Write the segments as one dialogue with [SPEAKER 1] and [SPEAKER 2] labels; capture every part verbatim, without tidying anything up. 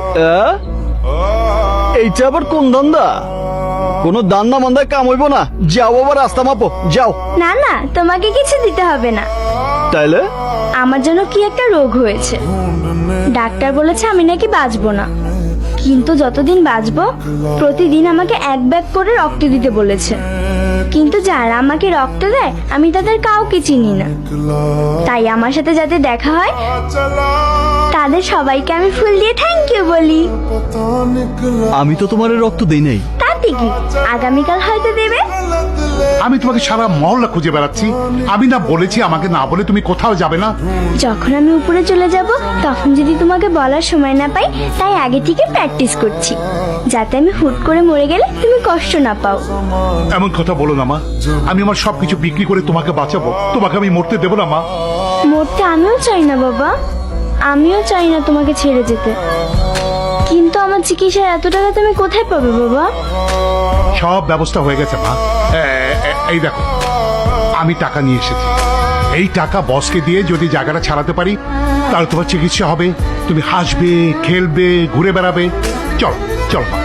[SPEAKER 1] এইটা আবার কোন ধান্দা? কোনো দান্না মান্দায় কাম হইব না। যাও বাবা, রাস্তা মাপো, যাও।
[SPEAKER 2] না না, তোমাকে কিছু দিতে হবে না।
[SPEAKER 1] তাইলে
[SPEAKER 2] আমার জন্য কি একটা রোগ হয়েছে, ডাক্তার বলেছে আমি নাকি বাঁচবো না, কিন্তু যতদিন বাঁচবো প্রতিদিন আমাকে এক ব্যাগ করে রক্ত দিতে বলেছে। কিন্তু যারা আমাকে রক্ত দেয় আমি তাদের কাউকে চিনি না, তাই আমার সাথে যাতে দেখা হয় তাদের সবাইকে আমি ফুল দিয়ে থ্যাংক ইউ বলি।
[SPEAKER 1] আমি তো তোমার রক্ত দেই নাই।
[SPEAKER 2] তাতে কি, আগামীকাল হয়তো দেবে।
[SPEAKER 3] আমি তোমাকে সারা মহল্লা খুঁজে বেড়াচ্ছি, আমি না বলেছি আমাকে না বলে তুমি কোথাও যাবে না?
[SPEAKER 2] যখন আমি উপরে চলে যাব তখন যদি তোমাকে বলার সময় না পাই, তাই আগে থেকে প্র্যাকটিস করছি, যাতে আমি হুট করে মরে গেলে তুমি কষ্ট না পাও।
[SPEAKER 3] এমন কথা বলো না মা, আমি আমার সবকিছু বিক্রি করে তোমাকে বাঁচাবো, তোমাকে আমি মরতে দেবো না মা।
[SPEAKER 2] মরতে আমিও চাই না বাবা, আমিও চাই না তোমাকে ছেড়ে যেতে, কিন্তু আমার চিকিৎসার এত টাকা তুমি কোথায় পাবে বাবা?
[SPEAKER 3] সব ব্যবস্থা হয়ে গেছে মা। এ- এ- এই দেখো, আমি টাকা নিয়ে এসেছি। এই টাকা বসকে দিয়ে যদি জায়গাটা ছাড়াতে পারি তাহলে তোমার চিকিৎসা হবে, তুমি হাসবে, খেলবে, ঘুরে বেড়াবে। চল চল মা।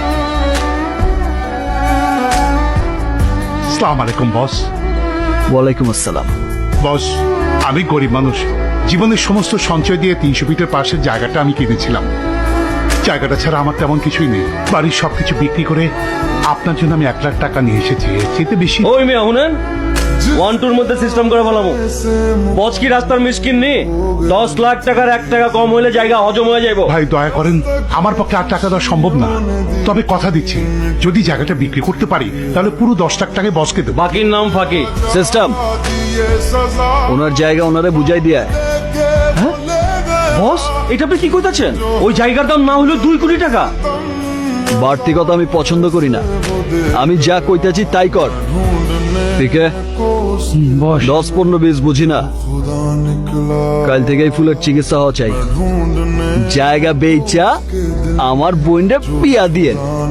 [SPEAKER 3] আসসালামু আলাইকুম বস।
[SPEAKER 1] ওয়ালাইকুম আসসালাম।
[SPEAKER 3] বস, আমি গরিব মানুষ, জীবনের সমস্ত সঞ্চয় দিয়ে তিনশো ফিটের পাশের জায়গাটা আমি কিনেছিলাম। জায়গাটা ছাড়া আমার তেমন কিছুই নেই, বাড়ির সবকিছু বিক্রি করে আপনার জন্য আমি এক লাখ টাকা নিয়ে এসেছি, এর চেয়ে বেশি।
[SPEAKER 4] ওই মেয়ে শুনেন, ওয়ান টুর মধ্যে সিস্টেম করে ফেলামো। বচ কি রাস্তার মিসকিন নি? দশ লাখ টাকার এক টাকা কম হইলে জায়গা হজম হয়ে যাইব।
[SPEAKER 3] ভাই দয়া করেন, আমার পক্ষে আর টাকা দেওয়া সম্ভব না, তবে কথা দিচ্ছি যদি জায়গাটা বিক্রি করতে পারি তাহলে পুরো দশ লাখ টাকায় বসকে দেবো।
[SPEAKER 4] বাকির নাম ফাঁকি।
[SPEAKER 1] সিস্টেম, ওনার জায়গা ওনারে বুঝাই দিয়া।
[SPEAKER 4] বস, এটা আপনি কি কইতাছেন? ওই জায়গার দাম না হলো দুই কোটি টাকা।
[SPEAKER 1] বাড়তি কথা আমি পছন্দ করি না, আমি যা কইতাছি তাই কর। ঠিক আছে, দশ পনেরো বিশ বুঝি না, কাল থেকে এই ফুলের চিকিৎসা হওয়া চাই। জায়গা বেচা আমার বোনটা বিয়া দিয়ে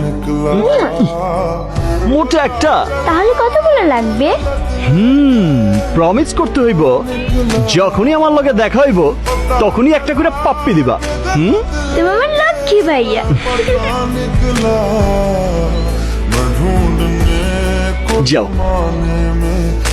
[SPEAKER 1] মোটা একটা।
[SPEAKER 2] তাহলে কতগুলো লাগবে?
[SPEAKER 1] হুম প্রমিস করতে হইব, যখনই আমার লগে দেখা হইব তখনই একটা করে পাপ্পি দিবা। হুম,
[SPEAKER 2] তুমি আমার লক্ষ্মী ভাইয়া।
[SPEAKER 1] যাও।